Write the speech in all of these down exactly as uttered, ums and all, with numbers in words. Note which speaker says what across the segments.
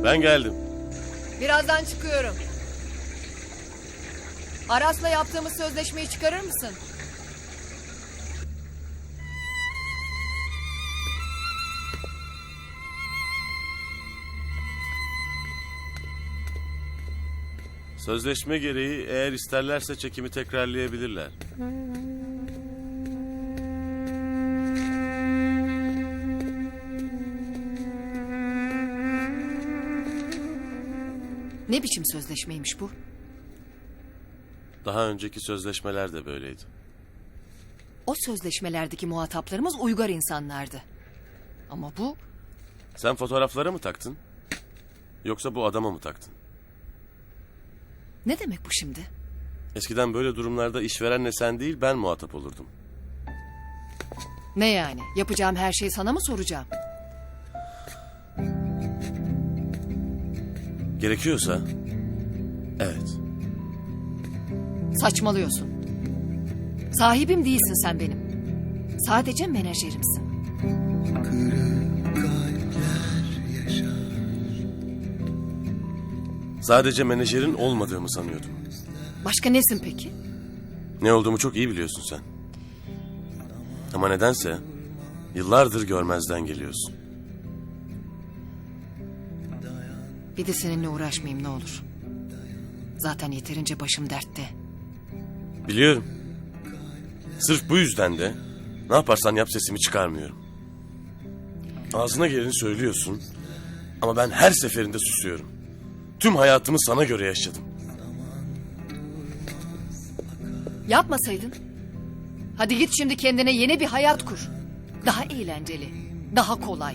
Speaker 1: Ben geldim.
Speaker 2: Birazdan çıkıyorum. Aras'la yaptığımız sözleşmeyi çıkarır mısın?
Speaker 1: Sözleşme gereği eğer isterlerse çekimi tekrarlayabilirler.
Speaker 2: Ne biçim sözleşmeymiş bu?
Speaker 1: Daha önceki sözleşmeler de böyleydi.
Speaker 2: O sözleşmelerdeki muhataplarımız uygar insanlardı. Ama bu
Speaker 1: Sen fotoğraflara mı taktın? Yoksa bu adama mı taktın?
Speaker 2: ne demek bu şimdi?
Speaker 1: Eskiden böyle durumlarda işverenle sen değil ben muhatap olurdum.
Speaker 2: Ne yani? Yapacağım her şeyi sana mı soracağım?
Speaker 1: Gerekiyorsa evet.
Speaker 2: Saçmalıyorsun. Sahibim değilsin sen benim. Sadece menajerimsin.
Speaker 1: Sadece menajerin olmadığımı sanıyordum.
Speaker 2: Başka nesin peki?
Speaker 1: Ne olduğumu çok iyi biliyorsun sen. Ama nedense yıllardır görmezden geliyorsun.
Speaker 2: Bir de seninle uğraşmayayım ne olur. Zaten yeterince başım dertte.
Speaker 1: Biliyorum. Sırf bu yüzden de ne yaparsan yap sesimi çıkarmıyorum. Ağzına geleni söylüyorsun ama ben her seferinde susuyorum. Tüm hayatımı sana göre yaşadım.
Speaker 2: Yapmasaydın. Hadi git şimdi kendine yeni bir hayat kur. Daha eğlenceli, daha kolay.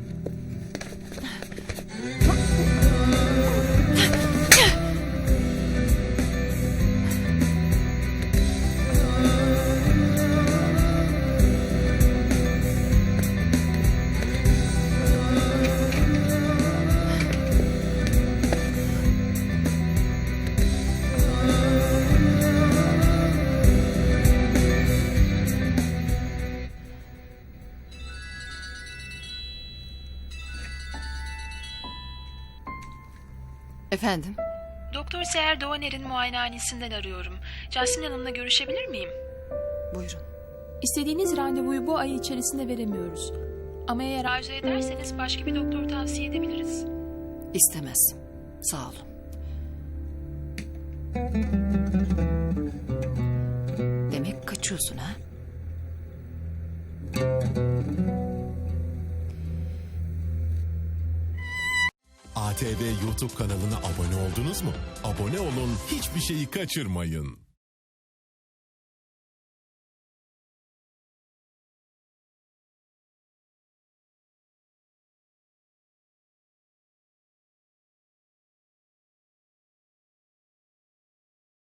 Speaker 2: Efendim?
Speaker 3: Doktor Seher Doğaner'in muayenehanesinden arıyorum. Jasmin Hanım'la görüşebilir miyim?
Speaker 2: Buyurun.
Speaker 4: İstediğiniz randevuyu bu ay içerisinde veremiyoruz. Ama eğer
Speaker 3: Arzu ederseniz başka bir doktor tavsiye edebiliriz.
Speaker 2: İstemez. Sağ olun. Demek kaçıyorsun ha?
Speaker 5: A T V YouTube kanalına abone oldunuz mu? Abone olun, hiçbir şeyi kaçırmayın.